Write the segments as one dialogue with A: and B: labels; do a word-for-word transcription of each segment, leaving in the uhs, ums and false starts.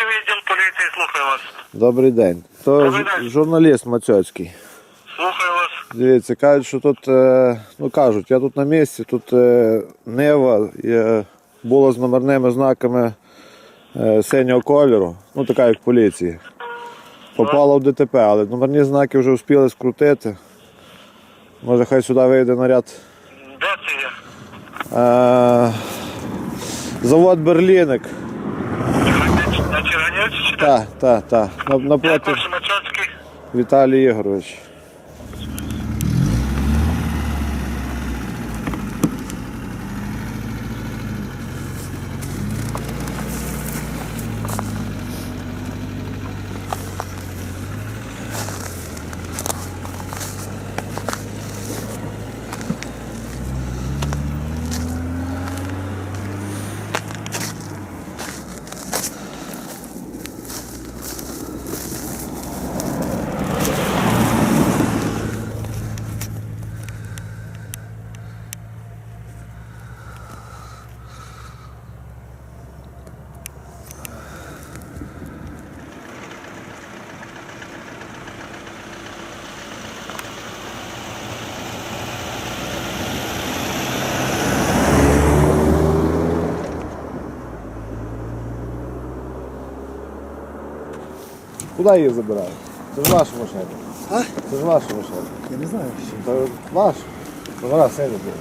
A: Чернівецький відділ поліції, слухаю вас.
B: Добрий день. То
A: Добрий
B: ж-
A: день.
B: журналіст Мацьоцький.
A: Слухаю вас.
B: Дивіться, кажуть, що тут, е, ну кажуть, я тут на місці, тут е, Нива є, була з номерними знаками е, синього кольору, ну така як в поліції. Попала в ДТП, але номерні знаки вже встигли скрутити. Може хай сюди вийде наряд.
A: Де це є?
B: Е, завод Берліник.
A: На Чернівці чи де?
B: Так, так, так.
A: Де
B: Напроти
A: перший Мачоцький?
B: Віталій Ігорович. Куди її забирають? Це ж ваша машина.
C: А?
B: Це ж ваша машина.
C: Я не знаю, що.
B: Це ваш. Номера сині були.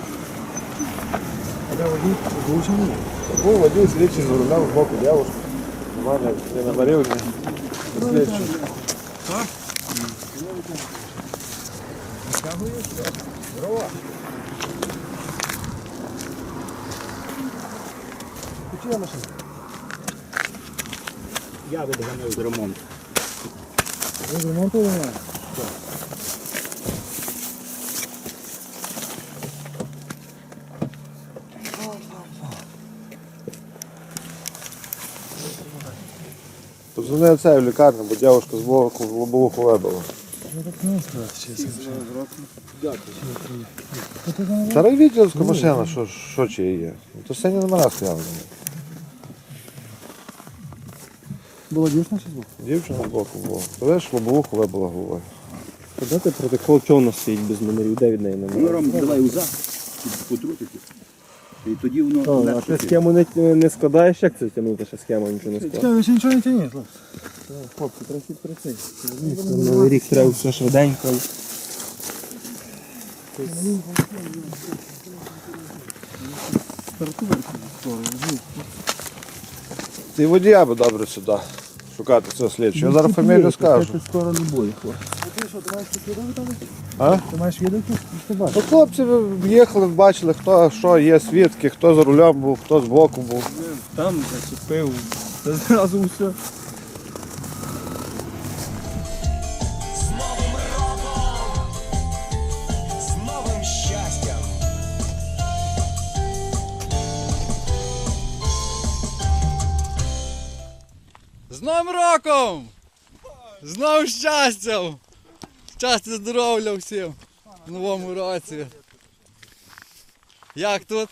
C: А де водій? Вилучений?
B: Був водій слідчий з рулем з боку дівчинки. У мене не номерів, ні слідчий.
C: Здорово. Почула машина?
D: Я видаганяю з ремонту.
C: Ви з ремонту немає?
B: Позвони це в лікарню, бо дівчинка з боку в лобовуху вибила.
C: Ну так не сказати, чесно.
B: Старий відділська машина, що, що чи є? То сині номера стояли.
C: Була дівчина чи збоку?
B: Дівчина з боку була. То видиш, лобовуху вибила головою.
E: Подати протокол, чого у нас стоїть без номерів, де від неї
D: Ну,
E: номер?
D: Ром, давай уза, потрутити. І тоді воно
E: А
D: легше
E: ти
D: піде.
E: схему не, не складаєш, як це тягнути, ще схема нічого не складає?
C: Чекай, ви ще нічого не тяніть, хлопці.
E: Хлопці, трохи працюй. Новий рік треба все швиденько.
B: Ти водія би добре сюди шукати цього слідчого. Я зараз фамілію скажу.
C: Це скоро не буде, хлопці. А ти що, ти маєш тут відео там?
B: А?
C: Ти маєш відео тут? Що бачиш?
B: Ну, хлопці їхали, бачили, хто що є свідки, хто за рулем був, хто з боку був.
E: Там зачепив. Це зразу все.
F: З новим роком, з новим щастям.
G: З Новим роком! З новим щастям! Щастя, здоров'я всім в новому році. Як тут?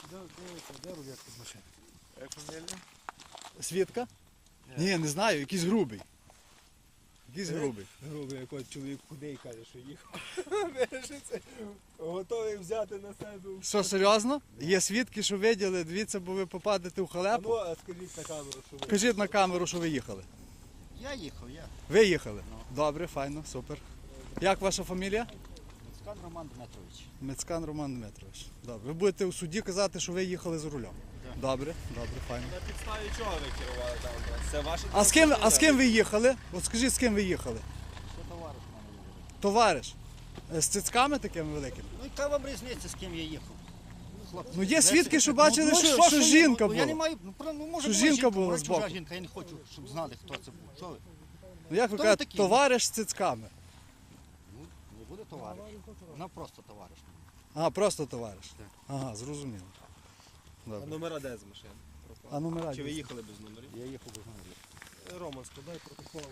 G: Свідка? Ні, не знаю, якийсь грубий. Якийсь грубий.
E: Грубий якийсь чоловік худий каже, що їхав. Вирішиться, готовий взяти на себе.
G: Що, серйозно? Є свідки, що виділи, дивіться, бо ви попадете в халепу.
E: Ну, а скажіть на камеру, що ви.
G: Кажіть на камеру, що ви їхали.
D: Я їхав, я.
G: Ви їхали? Добре, файно, супер. Як ваша фамілія?
D: Скан Роман Дмитрович.
G: Мецкан Роман Дмитрович. Добре. Ви будете у суді казати, що ви їхали за рулем. Добре, добре, файно.
E: На підставі чого ви керували там? Це ваші
G: А з ким, а з ким ви їхали? От скажіть, з ким ви їхали?
D: Що товариш в мене їде?
G: Товариш. Е, З цицьками такими великими?
D: Ну, яка вам різниця, з ким я їхав? Хлопці,
G: Ну, є
D: ви-
G: свідки, що
D: ну,
G: бачили,
D: ну,
G: що- що
D: я-
G: жінка
D: ну, Я не
G: була.
D: маю, ну, про- ну, може,
G: Що
D: була
G: жінка була
D: може,
G: збоку.
D: чужа жінка, я не хочу, щоб знали, хто це був. Що ви?
G: Ну як ви
D: Хто ви
G: кажете,
D: такі?
G: товариш з цицьками?
D: Ну, не буде товариш. Вона просто товариш.
G: А, просто товариш. Ага, зрозуміло.
E: А
G: Добре.
E: номера де з машини?
G: А номера?
E: Чи ви
G: дійсно?
E: їхали без номерів?
D: Я їхав без номерів.
E: Роман, складай протокол.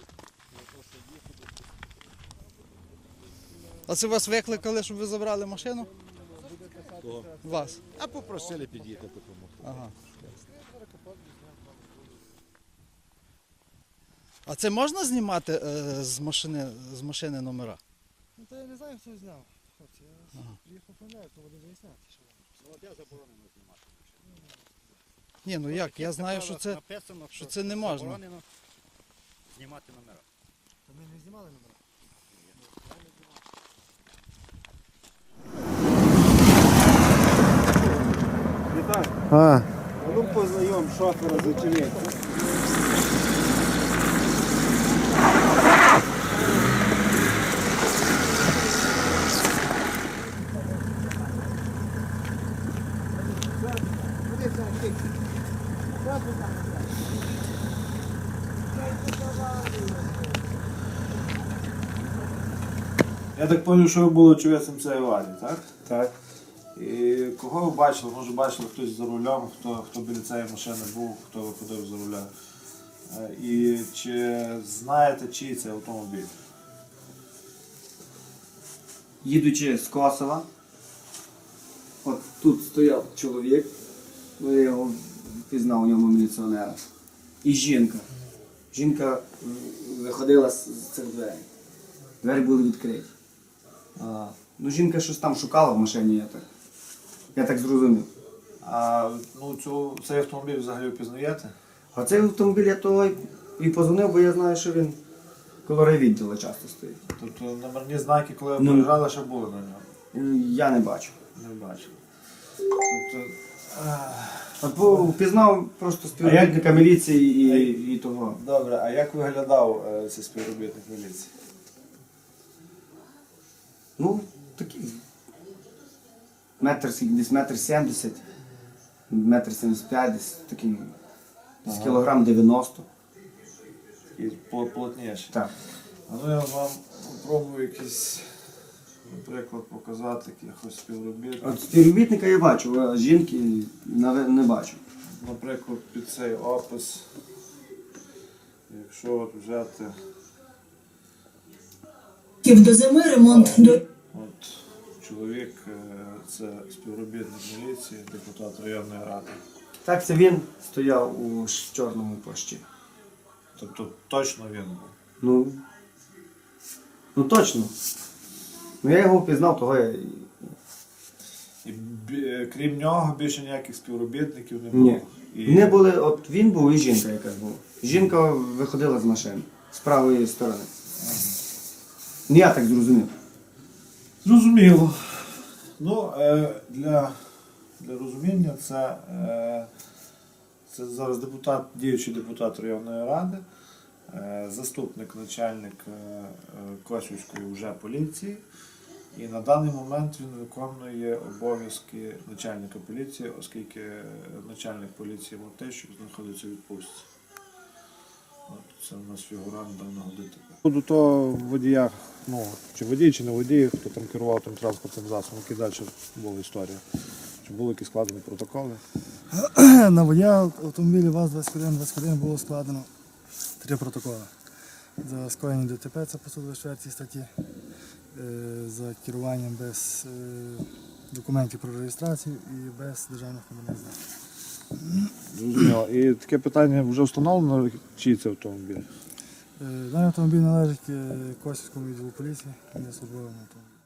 G: А це вас викликали, щоб ви забрали машину?
E: Кого?
G: Вас.
D: А попросили під'їхати допомогти.
G: Ага. А це можна знімати е, з машини, з машини номера?
C: Ну то я не знаю, хто зняв. Хлопці, я приїхав оформляю, то буду виясняти. Що воно.
D: Ну, от я заборонено знімати.
G: Ні, ну як, я знаю, що це,
D: написано,
G: що це не можна.
D: заборонено знімати номера.
C: Та ми не знімали номера.
E: Вітаю.
B: А,
E: А ну познайом шофера з очевидцем.
B: я так зрозумів, що ви були очевидцем цієї аварії, так?
E: Так.
B: І кого ви бачили? Може бачили хтось за рулем, хто, хто біля цієї машини був, хто виходив за руля. Е, І чи знаєте, чий це автомобіль?
H: Їдучи з Косова, от тут стояв чоловік, ну, я його впізнав у ньому міліціонера. І жінка. Жінка м, виходила з з цих дверей. Двері були відкриті. А, ну, жінка щось там шукала в машині, я так, я так зрозумів.
B: А ну, цю, цей автомобіль взагалі впізнаєте?
H: А цей автомобіль я того й- і позвонив, бо я знаю, що він коло райвідділу часто стоїть.
B: Тобто номерні знаки, коли ви
H: Ну.
B: приїжджали, ще були на ньому?
H: Е, Я не бачу.
B: Не бачили. Тобто,
H: От бо впізнав просто співробітника міліції і, і того.
B: добре, а як виглядав е, цей співробітник міліції?
H: Ну, такий. Метр, скільки, десь метр сімдесят, метр сімдесят п'ять, десь такий. Десь
B: Ага.
H: кілограм дев'яносто.
B: І по- плотніше.
H: Так.
B: А ну я вам спробую якийсь, наприклад, показати якихось співробітників.
H: От співробітника я бачу, а жінки наве- не бачу.
B: Наприклад, під цей опис, якщо от взяти
I: До зими ремонт до
B: от чоловік, е, це співробітник міліції, депутат районної ради.
H: Так, це він стояв у ш- чорному плащі.
B: Тобто точно він був.
H: Ну, ну точно. Ну я його впізнав, того я. і-
B: І бі- е, крім нього більше ніяких співробітників не було.
H: Ні.
B: І...
H: Не були, от він був і жінка якась була. Жінка виходила з машини з правої сторони. Ну я так зрозумів.
B: Зрозуміло. Ну, е, для, для розуміння це, е, це зараз депутат, діючий депутат районної ради, е, заступник начальник е, е, Косівської вже поліції. І на даний момент він виконує обов'язки начальника поліції, оскільки начальник поліції Мартищук знаходиться у відпустці. От це у нас фігурант даного ДТП. До того водія, ну, чи водій, чи не водій, хто там керував тим транспортним засобом, які далі була історія. Чи були якісь складені протоколи?
C: На водія автомобіля ВАЗ двадцять один двадцять один було складено три протоколи. За скоєння ДТП, це по сто двадцять четвертій статті, е, за керуванням без е, документів про реєстрацію і без державних номерних знаків.
B: Зрозуміло. І таке питання вже встановлено, чий це автомобіль?
C: Е, Даний автомобіль належить е, Косівському відділу поліції, він є службовим автомобілем.